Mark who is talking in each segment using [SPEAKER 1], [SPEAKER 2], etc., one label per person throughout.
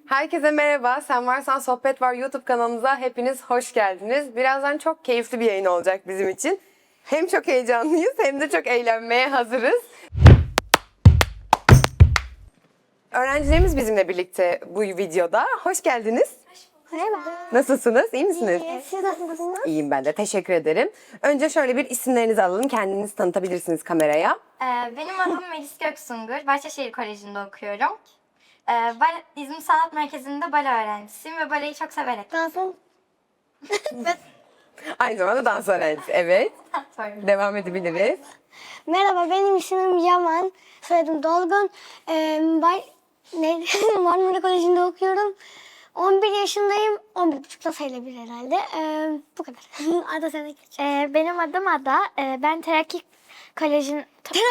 [SPEAKER 1] Herkese merhaba. Sen Varsan Sohbet Var YouTube kanalımıza hepiniz hoş geldiniz. Birazdan çok keyifli bir yayın olacak bizim için. Hem çok heyecanlıyız hem de çok eğlenmeye hazırız. Öğrencilerimiz bizimle birlikte bu videoda. Hoş geldiniz.
[SPEAKER 2] Merhaba.
[SPEAKER 1] Nasılsınız? İyi misiniz?
[SPEAKER 2] Siz nasılsınız?
[SPEAKER 1] İyiyim ben de. Teşekkür ederim. Önce şöyle bir isimlerinizi alalım. Kendinizi tanıtabilirsiniz kameraya.
[SPEAKER 3] Benim adım Melis Göksungur. Bahçeşehir Koleji'nde okuyorum. İzmir Sanat Merkezi'nde bale öğrencisiyim ve baleyi çok severek.
[SPEAKER 2] Dansın.
[SPEAKER 1] Aynı zamanda dans öğrencisi. Evet.
[SPEAKER 3] Sorry.
[SPEAKER 1] Devam edebiliriz.
[SPEAKER 2] Merhaba, benim ismim Yaman. Soyadım Dolgun. Marmara Koleji'nde okuyorum. 11 yaşındayım. 11,5'da sayılabilir herhalde. Bu kadar. Ada sana geç.
[SPEAKER 4] Benim adım Ada. Ben Terakki Koleji.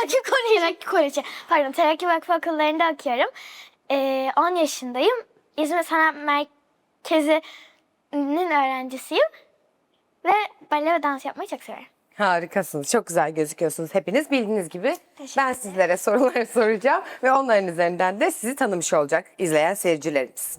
[SPEAKER 4] Terakki Vakfı okullarında okuyorum. 10 yaşındayım. İzmir Sanat Merkezi'nin öğrencisiyim. Ve bale ve dans yapmayı çok severim.
[SPEAKER 1] Harikasınız. Çok güzel gözüküyorsunuz hepiniz. Bildiğiniz gibi ben sizlere sorular soracağım ve onların üzerinden de sizi tanımış olacak izleyen seyircilerimiz.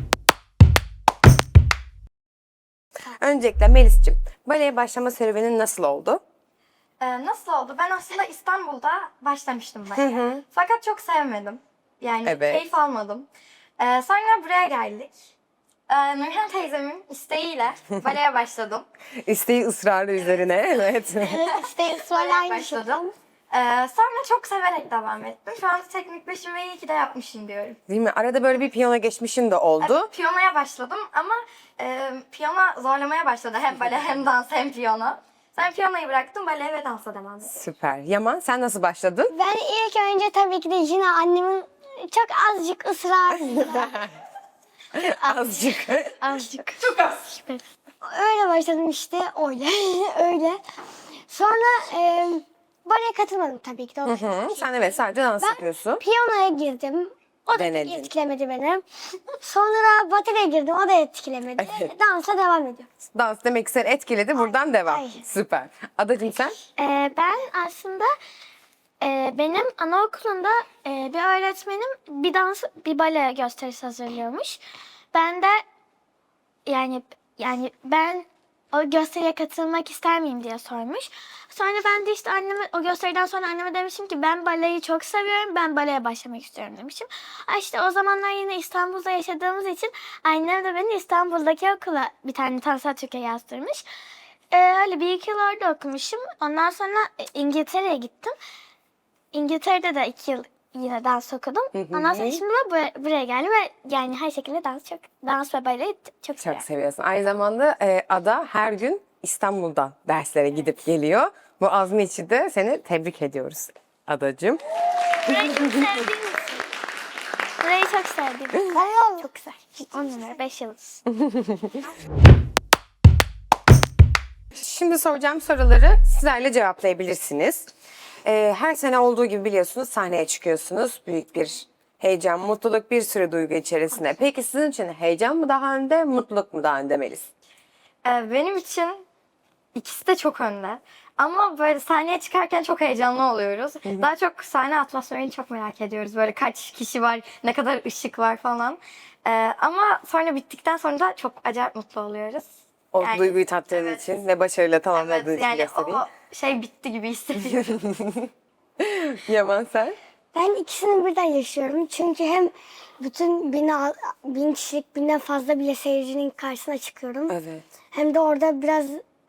[SPEAKER 1] Öncelikle Melis'ciğim, baleye başlama serüvenin nasıl oldu?
[SPEAKER 3] Nasıl oldu? Ben aslında İstanbul'da başlamıştım baleye. Fakat çok sevmedim. Yani
[SPEAKER 1] Evet.
[SPEAKER 3] keyif almadım. Sonra buraya geldik. Nurhan teyzemin isteğiyle baleye başladım.
[SPEAKER 1] İsteği ısrarı üzerine. Evet.
[SPEAKER 2] İşte ısrarla
[SPEAKER 3] Baleye
[SPEAKER 2] aynı şey.
[SPEAKER 3] başladım. Sonra çok severek devam ettim. Şu an teknik beşim ve iyi ki de yapmışım diyorum.
[SPEAKER 1] Değil mi? Arada böyle bir piyano geçmişin de oldu.
[SPEAKER 3] Evet, piyanoya başladım ama piyano zorlamaya başladı. Hem bale hem dans hem piyano. Sen piyanoyu bıraktın, baleye ve dansa devam ettim.
[SPEAKER 1] Süper. Yaman sen nasıl başladın?
[SPEAKER 2] Ben ilk önce tabii ki de yine annemin çok azıcık ısrarıyla.
[SPEAKER 1] Azıcık.
[SPEAKER 2] Azıcık. Çok az. Öyle başladım işte. Öyle. Öyle. Sonra baleye katılmadım tabii ki de.
[SPEAKER 1] Sen evet sadece dans yapıyorsun.
[SPEAKER 2] Piyanoya girdim. O da
[SPEAKER 1] Denedin.
[SPEAKER 2] etkilemedi beni. Sonra bateriye girdim. O da etkilemedi.
[SPEAKER 1] Evet.
[SPEAKER 2] Dansa devam ediyorum.
[SPEAKER 1] Dans demek ki seni etkiledi. Buradan devam.
[SPEAKER 2] ay.
[SPEAKER 1] Süper. Adacığım sen?
[SPEAKER 4] Ben aslında benim anaokulunda bir öğretmenim bir bale gösterisi hazırlıyormuş. Ben de yani ben o gösteriye katılmak ister miyim diye sormuş. Sonra ben de işte o gösteriden sonra anneme demişim ki ben baleyi çok seviyorum. Ben baleye başlamak istiyorum demişim. İşte o zamanlar yine İstanbul'da yaşadığımız için annem de beni İstanbul'daki okula bir tane Tansa Türkiye yazdırmış. Öyle bir iki yıl orada okumuşum. Ondan sonra İngiltere'ye gittim. İngiltere'de de 2 yıl yine dans okudum. Ondan sonra şimdi de buraya geldim ve yani her şekilde dans ve baleyi çok seviyorum.
[SPEAKER 1] Çok seviyorsun. Aynı zamanda Ada her gün İstanbul'da derslere gidip geliyor. Bu azmi için de seni tebrik ediyoruz Adacığım.
[SPEAKER 4] Burayı çok sevdiğim için. Burayı çok sevdim. Çok güzel. 10 numara 5 yıldız.
[SPEAKER 1] Şimdi soracağım soruları sizlerle cevaplayabilirsiniz. Her sene olduğu gibi biliyorsunuz sahneye çıkıyorsunuz. Büyük bir heyecan, mutluluk, bir sürü duygu içerisinde. Peki sizin için heyecan mı daha önde, mutluluk mu daha önde Melis?
[SPEAKER 3] Benim için ikisi de çok önde. Ama böyle sahneye çıkarken çok heyecanlı oluyoruz. Daha çok sahne atmosferini çok merak ediyoruz. Böyle kaç kişi var, ne kadar ışık var falan. Ama sonra bittikten sonra da çok acayip mutlu oluyoruz.
[SPEAKER 1] O
[SPEAKER 3] Yani,
[SPEAKER 1] duyguyu tattığın
[SPEAKER 3] evet.
[SPEAKER 1] için ve başarıyla tamamladığın
[SPEAKER 3] Evet,
[SPEAKER 1] için
[SPEAKER 3] yani
[SPEAKER 1] göstereyim.
[SPEAKER 3] o şey bitti gibi hissediyorum.
[SPEAKER 1] Yaman sen?
[SPEAKER 2] Ben ikisini birden yaşıyorum. Çünkü hem bütün 1000 kişilik, 1000'den fazla bile seyircinin karşısına çıkıyorum.
[SPEAKER 1] Evet.
[SPEAKER 2] Hem de orada biraz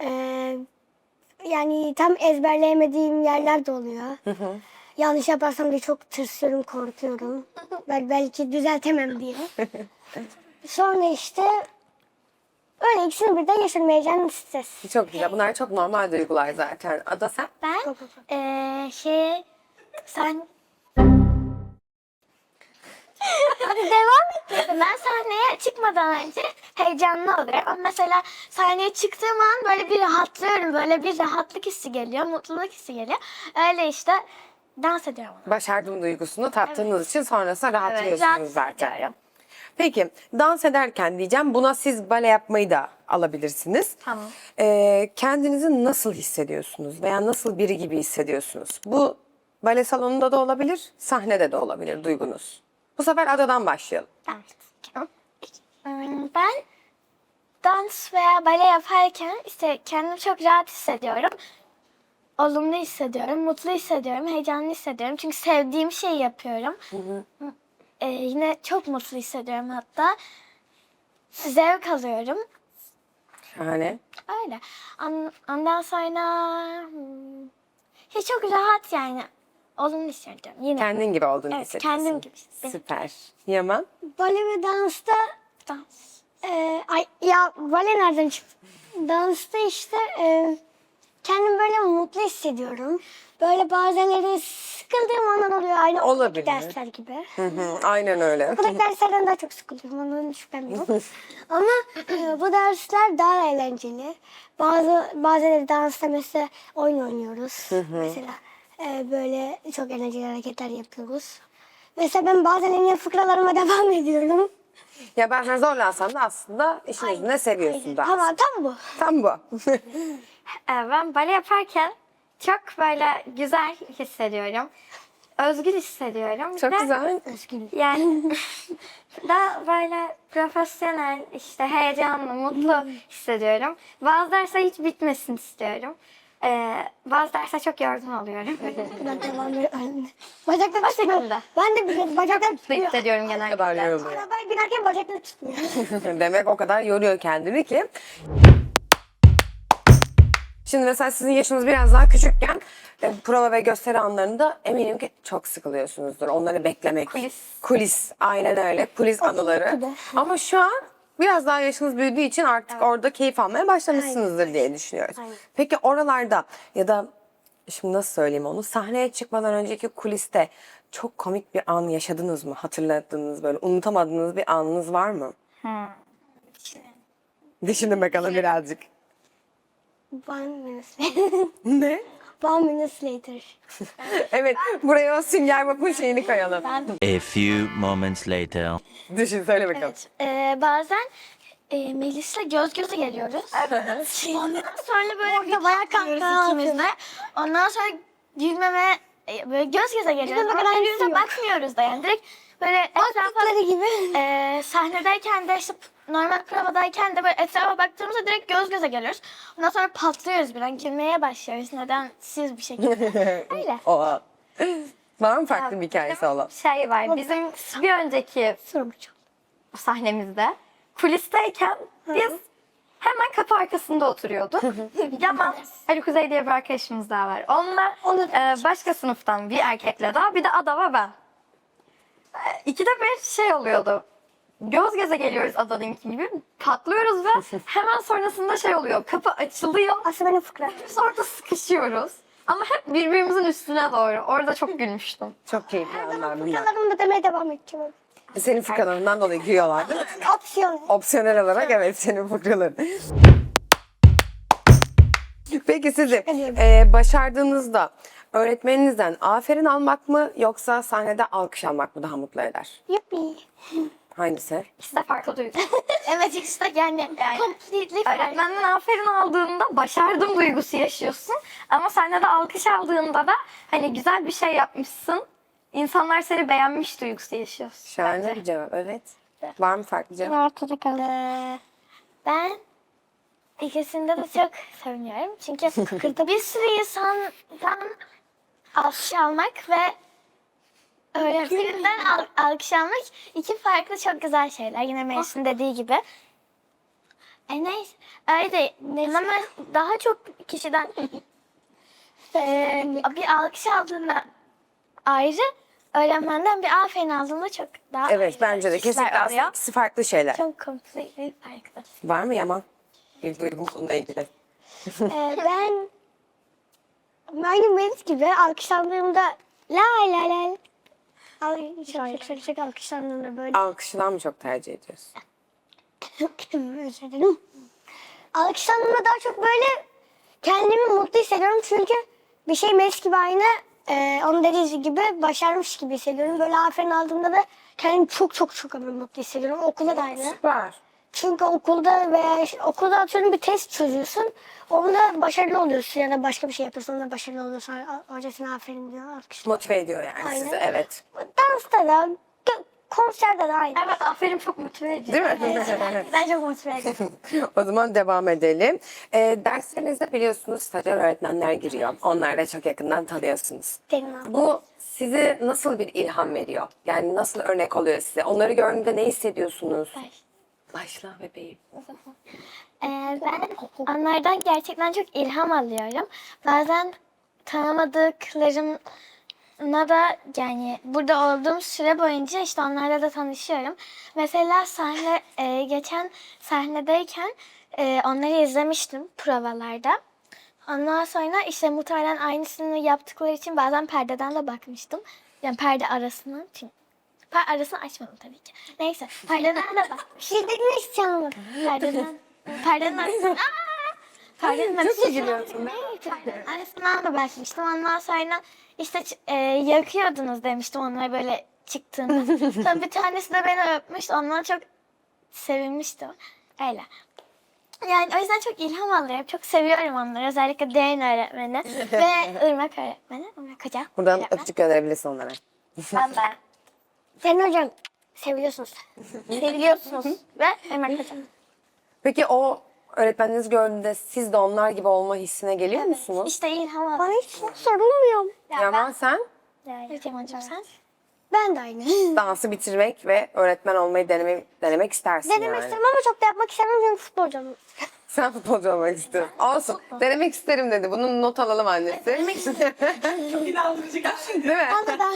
[SPEAKER 2] yani tam ezberleyemediğim yerler de oluyor. Yanlış yaparsam diye çok tırsıyorum, korkuyorum. Belki düzeltemem diye. Sonra işte öyle ikisini birden yaşıyorum. Heyecan, stres.
[SPEAKER 1] Çok güzel. Bunlar çok normal duygular zaten. Ada sen?
[SPEAKER 4] Ben sen hadi devam et. Ben sahneye çıkmadan önce heyecanlı oluyorum. Ama mesela sahneye çıktığım an böyle bir rahatlıyorum. Böyle bir rahatlık hissi geliyor, mutluluk hissi geliyor. Öyle işte dans ediyorum.
[SPEAKER 1] Başardım duygusunu tattığınız için sonrasında rahatlıyorsunuz
[SPEAKER 4] rahat
[SPEAKER 1] zaten.
[SPEAKER 4] ediyorum.
[SPEAKER 1] Peki dans ederken diyeceğim buna siz bale yapmayı da alabilirsiniz.
[SPEAKER 3] Tamam.
[SPEAKER 1] Kendinizi nasıl hissediyorsunuz veya nasıl biri gibi hissediyorsunuz? Bu bale salonunda da olabilir, sahnede de olabilir duygunuz. Bu sefer Adadan başlayalım.
[SPEAKER 4] Ben dans veya bale yaparken işte kendimi çok rahat hissediyorum. Olumlu hissediyorum, mutlu hissediyorum, heyecanlı hissediyorum. Çünkü sevdiğim şeyi yapıyorum. Yine çok mutlu hissediyorum hatta. Zevk alıyorum.
[SPEAKER 1] Şahane.
[SPEAKER 4] Öyle. Ondan sonra çok rahat yani. Olumlu hissediyorum. Yine.
[SPEAKER 1] Kendin gibi olduğunu
[SPEAKER 4] Evet,
[SPEAKER 1] hissediyorsun.
[SPEAKER 4] kendim gibi hissediyorum.
[SPEAKER 1] Süper. Yaman?
[SPEAKER 2] Bale ve dansta
[SPEAKER 4] Dans.
[SPEAKER 2] bale nereden çıktı? Dansta işte kendimi böyle mutlu hissediyorum. Böyle bazenleri sıkıldığım anlar oluyor. Aynı
[SPEAKER 1] Olabilir.
[SPEAKER 2] okuldaki dersler gibi.
[SPEAKER 1] Hı hı, aynen öyle.
[SPEAKER 2] Okuldaki derslerden daha çok sıkılıyorum. Ondan şüphem yok. Ama bu dersler daha eğlenceli. Bazen dansta mesela oyun oynuyoruz. Mesela böyle çok eğlenceli hareketler yapıyoruz. Mesela ben bazen en iyi fıkralarıma devam ediyorum.
[SPEAKER 1] Ya bazen zorlansan da aslında işin özünde seviyorsun da.
[SPEAKER 2] Ama tam bu.
[SPEAKER 1] Tam bu.
[SPEAKER 3] Ben bale yaparken çok böyle güzel hissediyorum. Özgür hissediyorum.
[SPEAKER 1] Çok
[SPEAKER 3] Ve
[SPEAKER 1] güzel.
[SPEAKER 3] Yani daha böyle profesyonel, işte heyecanlı, mutlu hissediyorum. Bazı dersler hiç bitmesin istiyorum. Bazı dersler çok yorgun oluyorum.
[SPEAKER 2] Ben devam ediyorum. Bacaklarım tutmuyor.
[SPEAKER 3] şekilde.
[SPEAKER 2] Ben de biliyorum. Bacaklarım
[SPEAKER 3] Mutlu
[SPEAKER 2] tutmuyor.
[SPEAKER 3] hissediyorum
[SPEAKER 1] Ne kadar
[SPEAKER 3] genellikle.
[SPEAKER 1] yoruluyor.
[SPEAKER 2] Arabaya binerken bacaklarım tutmuyor.
[SPEAKER 1] Demek o kadar yoruyor kendini ki. Şimdi mesela sizin yaşınız biraz daha küçükken prova ve gösteri anlarında eminim ki çok sıkılıyorsunuzdur. Onları beklemek. Kulis. Aynen öyle. Kulis anıları. Ama şu an biraz daha yaşınız büyüdüğü için artık orada keyif almaya başlamışsınızdır diye düşünüyoruz. Peki oralarda ya da şimdi nasıl söyleyeyim onu, sahneye çıkmadan önceki kuliste çok komik bir an yaşadınız mı? Hatırladığınız, böyle unutamadığınız bir anınız var mı? Düşünün bakalım birazcık.
[SPEAKER 2] 1 minute.
[SPEAKER 1] Ne?
[SPEAKER 2] 1 minute later.
[SPEAKER 1] Evet, buraya o Sünger Bob'un şeyini koyalım.
[SPEAKER 5] A few moments later.
[SPEAKER 1] Düşün, söyle bakalım.
[SPEAKER 4] Bazen Melis'le göz göze geliyoruz. Ondan sonra böyle
[SPEAKER 2] Orada bayağı
[SPEAKER 4] bakıyoruz
[SPEAKER 2] kahkaha
[SPEAKER 4] ikimiz de. Ondan sonra gülmeme böyle göz göze geliyoruz.
[SPEAKER 2] Gülmeme
[SPEAKER 4] Ama
[SPEAKER 2] garantisi
[SPEAKER 4] birbirimize
[SPEAKER 2] yok.
[SPEAKER 4] bakmıyoruz da yani. Direkt böyle etrafa
[SPEAKER 2] Baktıkları gibi.
[SPEAKER 4] sahnedeyken de işte normal provadayken de böyle etrafa baktığımızda direkt göz göze geliyoruz. Ondan sonra patlıyoruz bir an. Gülmeye başlıyoruz. Nedensiz bir şekilde. Öyle.
[SPEAKER 1] Oha. Var mı farklı bir hikayesi olan?
[SPEAKER 3] Şey var, bizim bir önceki sahnemizde kulisteyken biz hemen kapı arkasında oturuyorduk. Yaman, Ali Kuzey diye bir arkadaşımız daha var. Onunla başka sınıftan bir erkekle daha, bir de Ada ve ben. İkide bir şey oluyordu. Göz göze geliyoruz Ada'nınki gibi. Patlıyoruz ve hemen sonrasında şey oluyor. Kapı açılıyor.
[SPEAKER 2] Aslında benim fıkra.
[SPEAKER 3] Biz orada sıkışıyoruz. Ama hep birbirimizin üstüne doğru. Orada çok gülmüştüm.
[SPEAKER 1] Çok keyifli anlar bunlar.
[SPEAKER 2] Fıkralarımı da demeye devam edeceğim.
[SPEAKER 1] Senin fıkralarından dolayı gülüyorlar değil mi?
[SPEAKER 2] Opsiyon.
[SPEAKER 1] Opsiyonel olarak evet, senin fıkraların. Peki sizi başardığınızda öğretmeninizden aferin almak mı yoksa sahnede alkış almak mı daha mutlu eder?
[SPEAKER 2] Yuppi.
[SPEAKER 1] Hangisi?
[SPEAKER 3] İkisi de farklı duygu.
[SPEAKER 4] Evet işte yani completely farklı.
[SPEAKER 3] Öğretmenden aferin aldığında başardım duygusu yaşıyorsun. Ama sahnede alkış aldığında da hani güzel bir şey yapmışsın. İnsanlar seni beğenmiş duygusu yaşıyorsun.
[SPEAKER 1] Şahane bir cevap, evet. Var mı farklı cevap?
[SPEAKER 2] Ortada kaldı.
[SPEAKER 4] Ben ikisinde de çok seviniyorum. Çünkü bir sürü insandan alkış almak ve öğretmeninden alkış almak iki farklı çok güzel şeyler. Yine Melis'in dediği gibi. Neyse. Öyle ama daha çok kişiden bir alkış aldığında ayrı, öğretmenden bir aferin aldığında çok daha
[SPEAKER 1] Evet,
[SPEAKER 4] ayrı
[SPEAKER 1] bence de
[SPEAKER 4] hisler
[SPEAKER 1] kesinlikle aslında
[SPEAKER 4] oluyor.
[SPEAKER 1] ikisi farklı şeyler.
[SPEAKER 4] Çok completely farklı.
[SPEAKER 1] Var mı Yaman? Bir duygu bununla ilgili.
[SPEAKER 2] Ben aynı Melis gibi alkışlandığımda la la la. Çok alkışlandığımda böyle.
[SPEAKER 1] Alkışından mı çok tercih ediyorsun?
[SPEAKER 2] Özür dilerim. Alkışlandığımda daha çok böyle kendimi mutlu hissediyorum çünkü bir şey Melis gibi aynı onun dediği gibi başarmış gibi hissediyorum. Böyle aferin aldığımda da kendimi çok mutlu hissediyorum. Okulda da aynı.
[SPEAKER 1] Süper.
[SPEAKER 2] Çünkü okulda veya okulda atıyorum bir test çözüyorsun. Onda başarılı oluyorsun ya da başka bir şey yapıyorsun onda başarılı oluyorsun. Hoca sana aferin diyor. Alkışlıyor.
[SPEAKER 1] Motive ediyor yani
[SPEAKER 2] Aynen.
[SPEAKER 1] sizi, evet.
[SPEAKER 2] Dansta da konserde de aynı.
[SPEAKER 3] Evet, aferin, çok motive edici.
[SPEAKER 1] Değil mi?
[SPEAKER 2] Ben çok motive ediyorum.
[SPEAKER 1] O zaman devam edelim. Derslerinizde biliyorsunuz stajyer öğretmenler giriyor. Onları da çok yakından tanıyorsunuz.
[SPEAKER 2] Benim abi.
[SPEAKER 1] Bu size nasıl bir ilham veriyor? Yani nasıl örnek oluyor size? Onları gördüğünde ne hissediyorsunuz? Başla bebeğim.
[SPEAKER 4] Ben onlardan gerçekten çok ilham alıyorum. Bazen tanımadıklarımla da yani burada olduğum süre boyunca işte onlarla da tanışıyorum. Mesela geçen sahnedeyken onları izlemiştim provalarda. Ondan sonra işte muhtemelen aynısını yaptıkları için bazen perdeden de bakmıştım. Yani perde arasını. Çünkü arasını açmadım tabii ki. Neyse perdeden de bakmıştım.
[SPEAKER 2] Şiddetini hiç çalmadım.
[SPEAKER 4] Perdenin arasından. Perdenin
[SPEAKER 1] Nasıl gülüyorsun?
[SPEAKER 4] arasından da bakmıştım. Ondan sonra işte yakıyordunuz demiştim onlara böyle çıktığında. Sonra bir tanesi de beni öpmüştü. Ondan çok sevinmiştim. Öyle. Yani o yüzden çok ilham alıyorum. Çok seviyorum onları. Özellikle Derin öğretmeni ve Irmak öğretmeni. Irmak hocam.
[SPEAKER 1] Buradan
[SPEAKER 4] öğretmen.
[SPEAKER 1] öpücük gönderebilirsin onlara.
[SPEAKER 4] Ben de.
[SPEAKER 2] Sen hocam seviyorsunuz.
[SPEAKER 4] Seviliyorsunuz. Ve Irmak hocam.
[SPEAKER 1] Peki o öğretmeninizi gördüğünde siz de onlar gibi olma hissine geliyor musunuz?
[SPEAKER 4] İşte ilham alıyorum.
[SPEAKER 2] Bana hiç sorulmuyor.
[SPEAKER 1] Yaman sen
[SPEAKER 4] Evet Yaman'cığım sen?
[SPEAKER 2] Ben de aynı.
[SPEAKER 1] dansı bitirmek ve öğretmen olmayı denemek istersin
[SPEAKER 2] Denemek
[SPEAKER 1] yani.
[SPEAKER 2] isterim ama çok da yapmak istemem çünkü futbolcu olmak isterim.
[SPEAKER 1] Sen futbolcu olmak istiyorsun. Olsun. Denemek isterim dedi. Bunu not alalım annesi. Denemek isterim. Çok inandırıcı gerçekten. Değil mi?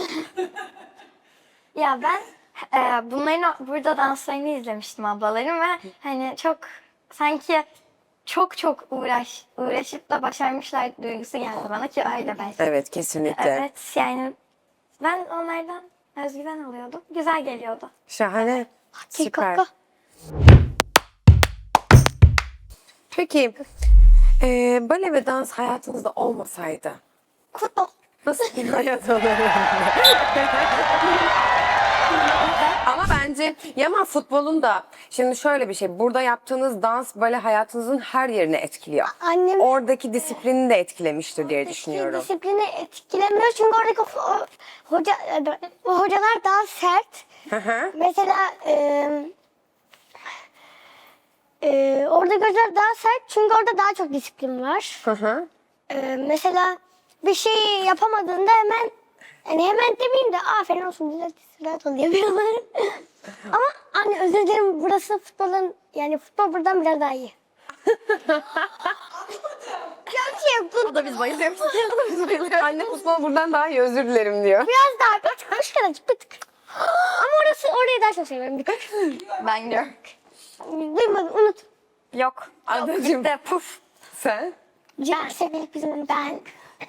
[SPEAKER 3] Ya ben bunların burada danslarını izlemiştim ablalarım ve hani çok sanki çok uğraşıp da başarmışlar duygusu geldi bana ki öyle belki.
[SPEAKER 1] Evet kesinlikle.
[SPEAKER 3] Evet yani ben onlardan özgüven alıyordum. Güzel geliyordu.
[SPEAKER 1] Şahane. Süper.
[SPEAKER 2] Kaka.
[SPEAKER 1] Peki bale ve dans hayatınızda olmasaydı
[SPEAKER 2] Futbol.
[SPEAKER 1] nasıl bir hayat olurdu? Ama bence Yaman futbolun da şimdi şöyle bir şey. Burada yaptığınız dans bale hayatınızın her yerini etkiliyor.
[SPEAKER 2] Annem
[SPEAKER 1] Oradaki disiplini de etkilemiştir diye düşünüyorum.
[SPEAKER 2] disiplini etkilemiyor çünkü oradaki hocalar daha sert.
[SPEAKER 1] Hı hı.
[SPEAKER 2] Mesela orada gözler daha sert çünkü orada daha çok disiplin var.
[SPEAKER 1] Hı hı.
[SPEAKER 2] Mesela bir şey yapamadığında hemen demeyeyim de aferin olsun güzel rahat ol yapıyorlar. Ama anne özür dilerim burası futbol buradan biraz daha iyi.
[SPEAKER 1] O da biz bayılıyoruz. Anne futbol buradan daha iyi özür dilerim diyor.
[SPEAKER 2] Biraz daha kaç kadarcık bir tık. Ama orayı daha çok seviyorum bir tık.
[SPEAKER 3] Ben gidiyorum.
[SPEAKER 2] Duymadım unut.
[SPEAKER 3] Yok.
[SPEAKER 1] Adacığım.
[SPEAKER 3] De puf.
[SPEAKER 1] Sen?
[SPEAKER 2] Ciğer sevmelik bizim ben.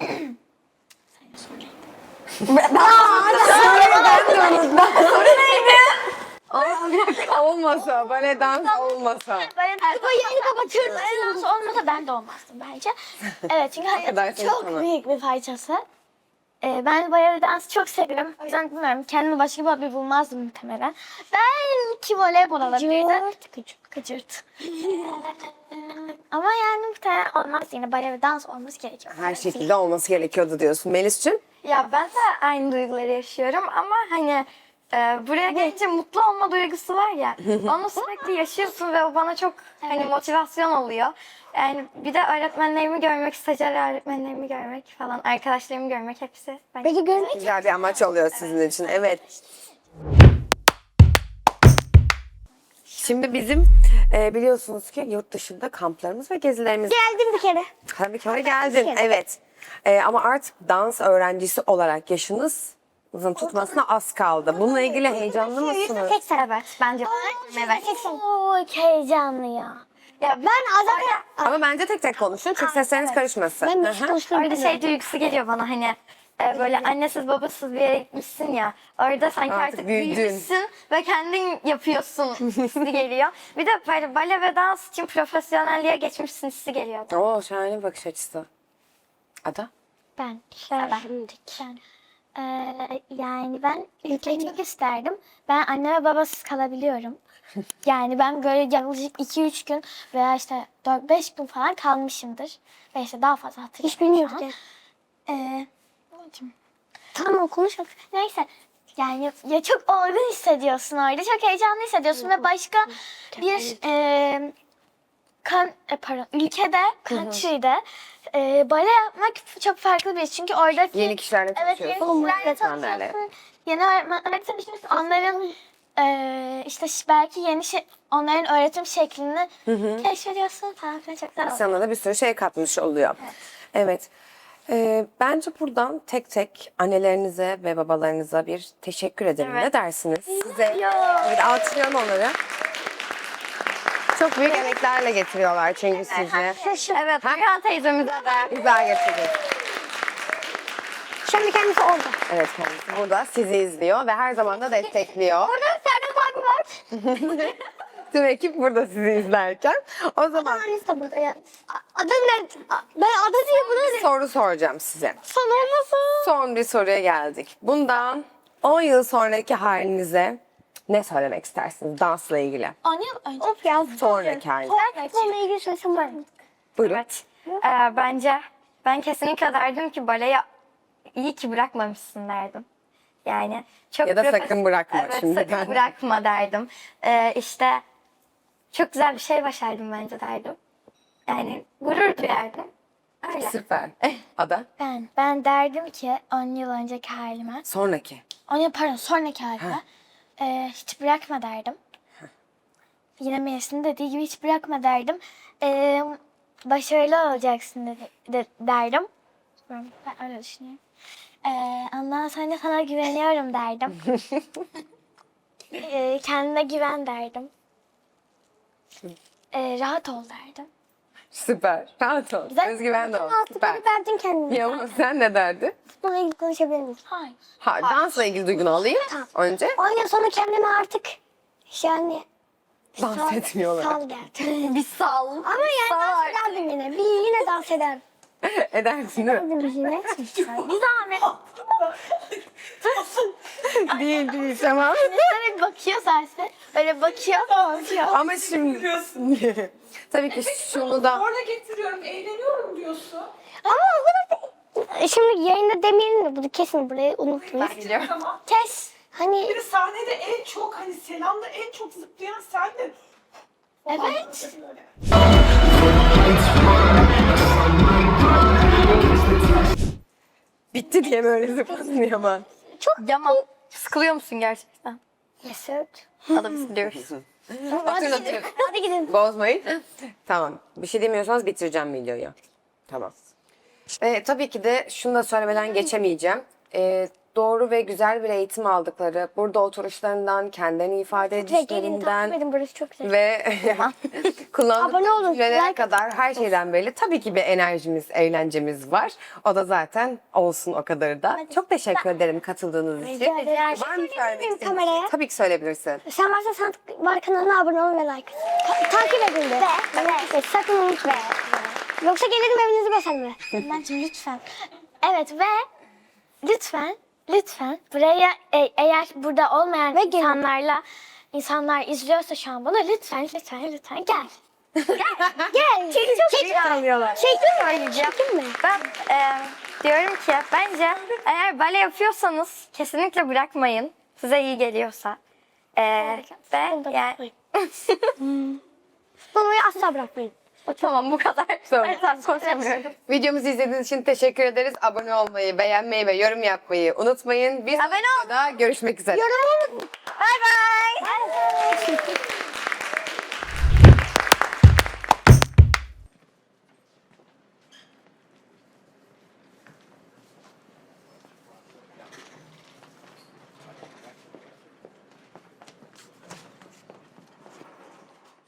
[SPEAKER 1] Olmasa, bale dans olmasa.
[SPEAKER 2] Bu yayını kapatıyorum.
[SPEAKER 4] Bale dansı olmasa ben de olmazdım bence. Evet çünkü
[SPEAKER 1] kadar
[SPEAKER 4] hayatın çok
[SPEAKER 1] sana.
[SPEAKER 4] büyük bir parçası. Ben bale dansı çok seviyorum. O yüzden bilmiyorum kendime başka bir hobi bulmazdım muhtemelen. Belki voleybol olabilirdi. Kıcırt. Ama yani muhtemelen olmaz yine bale ve dans olması gerekiyor.
[SPEAKER 1] Her şekilde olması gerekiyordu diyorsun. Melis'cim?
[SPEAKER 3] Ya ben de aynı duyguları yaşıyorum ama hani buraya gelince mutlu olma duygusu var ya. Onu sürekli yaşıyorsun ve o bana çok hani motivasyon oluyor. Yani bir de öğretmenlerimi görmek, stajyer öğretmenlerimi görmek falan, arkadaşlarımı görmek hepsi. Bence
[SPEAKER 2] Peki görmek
[SPEAKER 1] Güzel bir amaç oluyor sizin için. Evet. Şimdi bizim biliyorsunuz ki yurt dışında kamplarımız ve gezilerimiz.
[SPEAKER 2] geldim bir kere.
[SPEAKER 1] Tabii ki oraya geldin. Evet. Ama artık dans öğrencisi olarak yaşınızın tutmasına az kaldı. Bununla ilgili heyecanlı mısınız?
[SPEAKER 2] Tek sen.
[SPEAKER 3] evet, bence evet.
[SPEAKER 2] Çok heyecanlı ya.
[SPEAKER 3] Ya
[SPEAKER 2] Ben azar
[SPEAKER 1] Ama bence tek tek konuşun çünkü sesleriniz karışmasın.
[SPEAKER 2] Ben
[SPEAKER 1] Hı
[SPEAKER 2] bir
[SPEAKER 1] hı.
[SPEAKER 2] konuşmayı
[SPEAKER 3] Orada
[SPEAKER 2] bilmiyorum.
[SPEAKER 3] şey duygusu geliyor bana hani böyle annesiz babasız bir yere gitmişsin ya. Orada sanki
[SPEAKER 1] Artık
[SPEAKER 3] artık
[SPEAKER 1] büyüdün.
[SPEAKER 3] büyümüşsün ve kendin yapıyorsun hissi geliyor. Bir de böyle bale ve dans için profesyonelliğe geçmişsin hissi geliyor.
[SPEAKER 1] Oo şahane bir bakış açısı. Ada?
[SPEAKER 4] Ben yani ben ülkeyi çok isterdim. Ben anne ve babasız kalabiliyorum. Yani ben böyle yaklaşık 2-3 gün veya işte 4-5 gün falan kalmışımdır. Ve işte daha fazla hatırlamıyorum.
[SPEAKER 2] Hiç bilmiyorum ki.
[SPEAKER 4] Ee,
[SPEAKER 2] Tamam konuş.
[SPEAKER 4] Neyse Yani ya çok olgun hissediyorsun orada. Çok heyecanlı hissediyorsun ve başka bir ülkede, country'de bale yapmak çok farklı bir iş. Çünkü oradaki
[SPEAKER 1] Yeni kişilerle
[SPEAKER 4] evet, yeni
[SPEAKER 1] tanışıyorsun.
[SPEAKER 4] kişilerle tanışıyorsun. Yeni öğretmenlerle tanışıyorsun. Onların işte belki yeni onların öğretim şeklini keşfediyorsun falan filan. Çok güzel.
[SPEAKER 1] Sana da bir sürü şey katmış oluyor. Evet. Bence buradan tek tek annelerinize ve babalarınıza bir teşekkür edelim. Ne dersiniz? Size bir alkışlayalım onları. Çok büyük emeklerle getiriyorlar çünkü sizi.
[SPEAKER 3] Evet, Hakan teyzemize de.
[SPEAKER 1] Güzel getiriyor.
[SPEAKER 2] Şimdi kendisi orada.
[SPEAKER 1] Evet, kendisi burada sizi izliyor ve her zaman da destekliyor. Tüm ekip burada sizi izlerken. O zaman
[SPEAKER 2] Annesi de burada ya. Adı ne? Ben adı diye buna
[SPEAKER 1] bir soru soracağım size.
[SPEAKER 2] son olmasın.
[SPEAKER 1] Son bir soruya geldik. Bundan 10 yıl sonraki halinize ne söylemek istersiniz dansla ilgili?
[SPEAKER 4] 10 yıl önce.
[SPEAKER 2] Of ya.
[SPEAKER 1] Sonraki halinize.
[SPEAKER 2] Onunla ilgili söylesem var mı?
[SPEAKER 1] Buyurun.
[SPEAKER 3] Evet. Bence ben kesinlikle derdim ki baleyi iyi ki bırakmamışsın derdim. Yani çok
[SPEAKER 1] Ya da
[SPEAKER 3] profes-
[SPEAKER 1] sakın bırakma
[SPEAKER 3] evet,
[SPEAKER 1] şimdiden.
[SPEAKER 3] sakın bırakma derdim. İşte çok güzel bir şey başardım bence derdim. Yani gurur duyardım. Öyle.
[SPEAKER 1] Süper. Ada?
[SPEAKER 4] Ben derdim ki 10 yıl önceki halime,
[SPEAKER 1] Sonraki.
[SPEAKER 4] sonraki halime hiç bırakma derdim. Yine Melis'in dediği gibi hiç bırakma derdim. Başarılı olacaksın derdim. Ben öyle düşünüyorum. Ondan sonra sana güveniyorum derdim. Kendine güven derdim. Rahat ol derdim.
[SPEAKER 1] Süper. Rahat ol.
[SPEAKER 4] Güzel.
[SPEAKER 1] Özgüven de ol. Süper.
[SPEAKER 2] Altı verdin kendine.
[SPEAKER 1] Yavuz sen ne derdin?
[SPEAKER 2] Bununla ilgili konuşabilir miyiz?
[SPEAKER 4] Hayır.
[SPEAKER 1] Ha, dansla ilgili duygunu alayım önce.
[SPEAKER 2] 10 yıl sonra kendime artık yani
[SPEAKER 1] Dans etmiyorlar.
[SPEAKER 2] sal derdim.
[SPEAKER 3] Bir sal.
[SPEAKER 2] Ama yani dans ederdim yine. Yine dans ederdim.
[SPEAKER 1] Edersin değil mi?
[SPEAKER 2] Yine.
[SPEAKER 4] Bir zahmet.
[SPEAKER 1] Değil tamam.
[SPEAKER 4] Böyle bakıyor Serse. Böyle bakıyor.
[SPEAKER 1] Ama şimdi tabii ki şunu da
[SPEAKER 6] Orada getiriyorum, eğleniyorum diyorsun.
[SPEAKER 2] Ama o kadar da... Şimdi yayında demeyelim de bunu kesin burayı unutmayın.
[SPEAKER 6] Tamam.
[SPEAKER 2] Kes. Hani
[SPEAKER 6] Bir de sahnede en çok hani selamda en çok zıplayan sendin.
[SPEAKER 4] Evet.
[SPEAKER 1] bitti diye böyle zıplasın ama.
[SPEAKER 3] Yaman. Sıkılıyor musun gerçekten?
[SPEAKER 2] yes sir.
[SPEAKER 3] Hadi biz gidiyoruz.
[SPEAKER 1] Hatırlatıyorum.
[SPEAKER 2] Hadi gidin.
[SPEAKER 1] Bozmayın. Tamam. Bir şey demiyorsanız bitireceğim videoyu. Tamam. Tabii ki de şunu da söylemeden geçemeyeceğim. Doğru ve güzel bir eğitim aldıkları, burada oturuşlarından, kendilerini ifade
[SPEAKER 2] Ve gelin takip
[SPEAKER 1] edişlerinden
[SPEAKER 2] edin burası çok güzel.
[SPEAKER 1] ve kullandıkları
[SPEAKER 2] Abone olun,
[SPEAKER 1] cümlelere
[SPEAKER 2] like
[SPEAKER 1] kadar her şeyden belli. Tabii ki bir enerjimiz, eğlencemiz var. O da zaten olsun o kadar da. Çok teşekkür ederim katıldığınız için.
[SPEAKER 2] Rica ederim.
[SPEAKER 1] Var mı söylemek istediğin
[SPEAKER 2] kameraya?
[SPEAKER 1] şey? Tabii ki söyleyebilirsin.
[SPEAKER 2] Sen varsa sen var kanalına abone olun ve like. Takip edin de. Ve sakın unutma. Yoksa gelirim evinizi basarım.
[SPEAKER 4] Bence lütfen. Evet ve lütfen buraya eğer burada olmayan
[SPEAKER 2] Ve gelin.
[SPEAKER 4] insanlar izliyorsa şu an bunu lütfen gel.
[SPEAKER 2] Gel. Çek
[SPEAKER 1] Alıyorlar.
[SPEAKER 2] Çektin mi? Çektin mi?
[SPEAKER 3] Ben diyorum ki bence eğer bale yapıyorsanız kesinlikle bırakmayın. Size iyi geliyorsa. Ve yani
[SPEAKER 2] Bunu asla bırakmayın.
[SPEAKER 3] tamam bu kadar.
[SPEAKER 1] Tamam.
[SPEAKER 3] Ben konuşamıyorum.
[SPEAKER 1] Videomuzu izlediğiniz için teşekkür ederiz. Abone olmayı, beğenmeyi ve yorum yapmayı unutmayın. Bir sonraki videoda görüşmek üzere.
[SPEAKER 2] Yorum.
[SPEAKER 3] Bye bye.